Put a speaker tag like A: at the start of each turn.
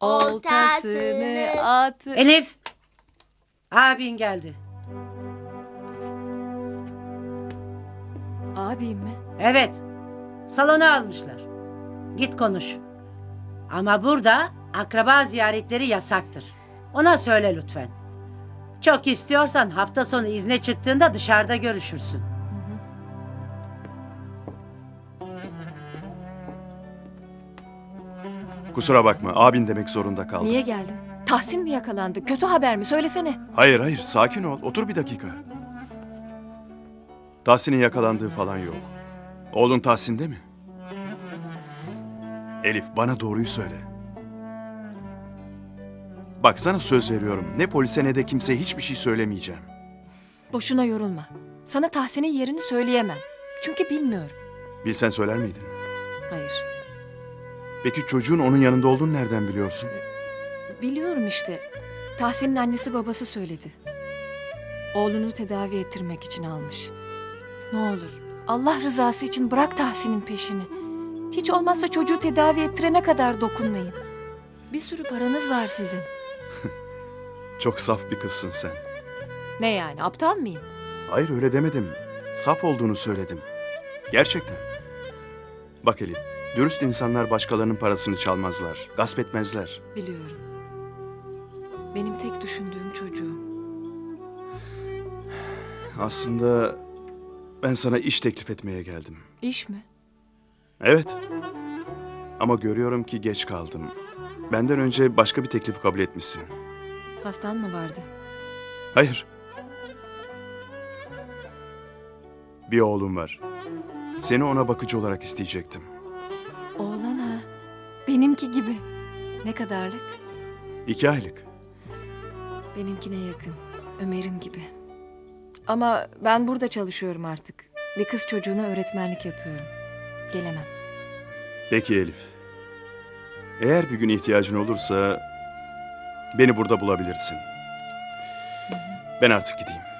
A: oltasını at.
B: Elif! Abin geldi.
A: Abim mi?
B: Evet. Salona almışlar. Git konuş. Ama burada akraba ziyaretleri yasaktır. Ona söyle lütfen. Çok istiyorsan hafta sonu izne çıktığında dışarıda görüşürsün.
C: Kusura bakma, abin demek zorunda kaldım.
A: Niye geldin? Tahsin mi yakalandı? Kötü haber mi? Söylesene.
C: Hayır, sakin ol. Otur bir dakika. Tahsin'in yakalandığı falan yok. Oğlun Tahsin'de mi? Elif, bana doğruyu söyle. Bak sana söz veriyorum. Ne polise ne de kimseye hiçbir şey söylemeyeceğim.
A: Boşuna yorulma. Sana Tahsin'in yerini söyleyemem. Çünkü bilmiyorum.
C: Bilsen söyler miydin?
A: Hayır.
C: Peki çocuğun onun yanında olduğunu nereden biliyorsun?
A: Biliyorum işte. Tahsin'in annesi babası söyledi. Oğlunu tedavi ettirmek için almış. Ne olur Allah rızası için bırak Tahsin'in peşini. Hiç olmazsa çocuğu tedavi ettirene kadar dokunmayın. Bir sürü paranız var sizin.
C: Çok saf bir kızsın sen.
A: Ne yani, aptal mıyım?
C: Hayır öyle demedim. Saf olduğunu söyledim. Gerçekten. Bak Elif, dürüst insanlar başkalarının parasını çalmazlar, gasp etmezler.
A: Biliyorum. Benim tek düşündüğüm çocuğum.
C: Aslında ben sana iş teklif etmeye geldim.
A: İş mi?
C: Evet. Ama görüyorum ki geç kaldım. Benden önce başka bir teklifi kabul etmişsin.
A: Hastan mı vardı?
C: Hayır. Bir oğlum var. Seni ona bakıcı olarak isteyecektim.
A: Oğlan ha. Benimki gibi. Ne kadarlık?
C: 2 aylık.
A: Benimkine yakın. Ömer'im gibi. Ama ben burada çalışıyorum artık. Bir kız çocuğuna öğretmenlik yapıyorum. Gelemem.
C: Peki Elif. Eğer bir gün ihtiyacın olursa beni burada bulabilirsin. Ben artık gideyim.